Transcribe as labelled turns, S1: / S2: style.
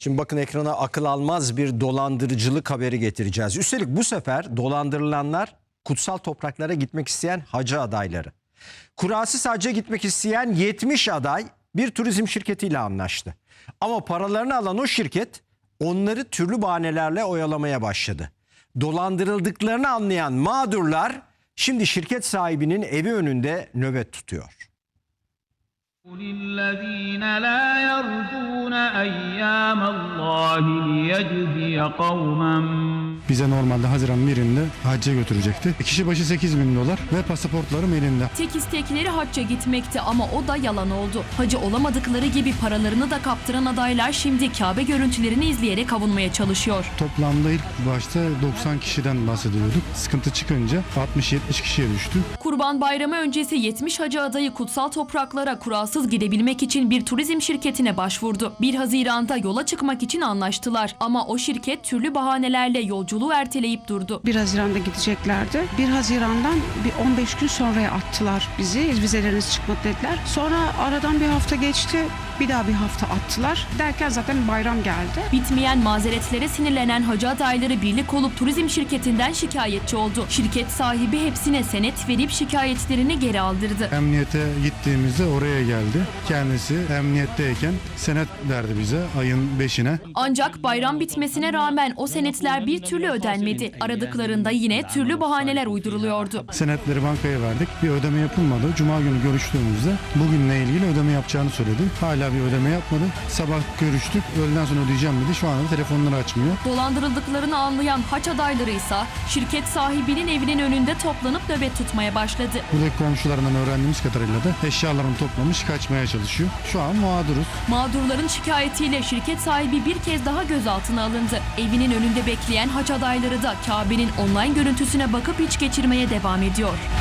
S1: Şimdi bakın ekrana akıl almaz bir dolandırıcılık haberi getireceğiz. Üstelik bu sefer dolandırılanlar kutsal topraklara gitmek isteyen hacı adayları. Kurasız hacca gitmek isteyen 70 aday bir turizm şirketiyle anlaştı. Ama paralarını alan o şirket onları türlü bahanelerle oyalamaya başladı. Dolandırıldıklarını anlayan mağdurlar şimdi şirket sahibinin evi önünde nöbet tutuyor.
S2: للذين لا يرجون أيام الله ليجزي قوما.
S3: Bize normalde Haziran 1'inde hacca götürecekti. Kişi başı 8.000 dolar ve pasaportlarım elinde.
S4: Tek istekleri hacca gitmekti ama o da yalan oldu. Hacı olamadıkları gibi paralarını da kaptıran adaylar şimdi Kabe görüntülerini izleyerek avunmaya çalışıyor.
S3: Toplamda ilk başta 90 kişiden bahsediyorduk. Sıkıntı çıkınca 60-70 kişiye düştü.
S4: Kurban Bayramı öncesi 70 hacı adayı kutsal topraklara kurasız gidebilmek için bir turizm şirketine başvurdu. 1 Haziran'da yola çıkmak için anlaştılar ama o şirket türlü bahanelerle yolculuğu erteleyip durdu.
S5: 1 Haziran'da gideceklerdi. 1 Haziran'dan bir 15 gün sonraya attılar bizi. Vizeleriniz çıkmadı dediler. Sonra aradan bir hafta geçti. Bir daha bir hafta attılar. Derken zaten bayram geldi.
S4: Bitmeyen mazeretlere sinirlenen hacı adayları birlik olup turizm şirketinden şikayetçi oldu. Şirket sahibi hepsine senet verip şikayetlerini geri aldırdı.
S3: Emniyete gittiğimizde oraya geldi. Kendisi emniyetteyken senet verdi bize ayın 5'ine.
S4: Ancak bayram bitmesine rağmen o senetler bir türlü ödenmedi. Aradıklarında yine türlü bahaneler uyduruluyordu.
S3: Senetleri bankaya verdik. Bir ödeme yapılmadı. Cuma günü görüştüğümüzde bugünle ilgili ödeme yapacağını söyledi. Hala bir ödeme yapmadı. Sabah görüştük. Öğleden sonra ödeyeceğim dedi. Şu anda telefonları açmıyor.
S4: Dolandırıldıklarını anlayan haç adayları ise şirket sahibinin evinin önünde toplanıp nöbet tutmaya başladı.
S3: Buradaki komşularından öğrendiğimiz kadarıyla da eşyalarını toplamış kaçmaya çalışıyor. Şu an mağduruz.
S4: Mağdurların şikayetiyle şirket sahibi bir kez daha gözaltına alındı. Evinin önünde bekleyen haç adayları da Kabe'nin online görüntüsüne bakıp iç geçirmeye devam ediyor.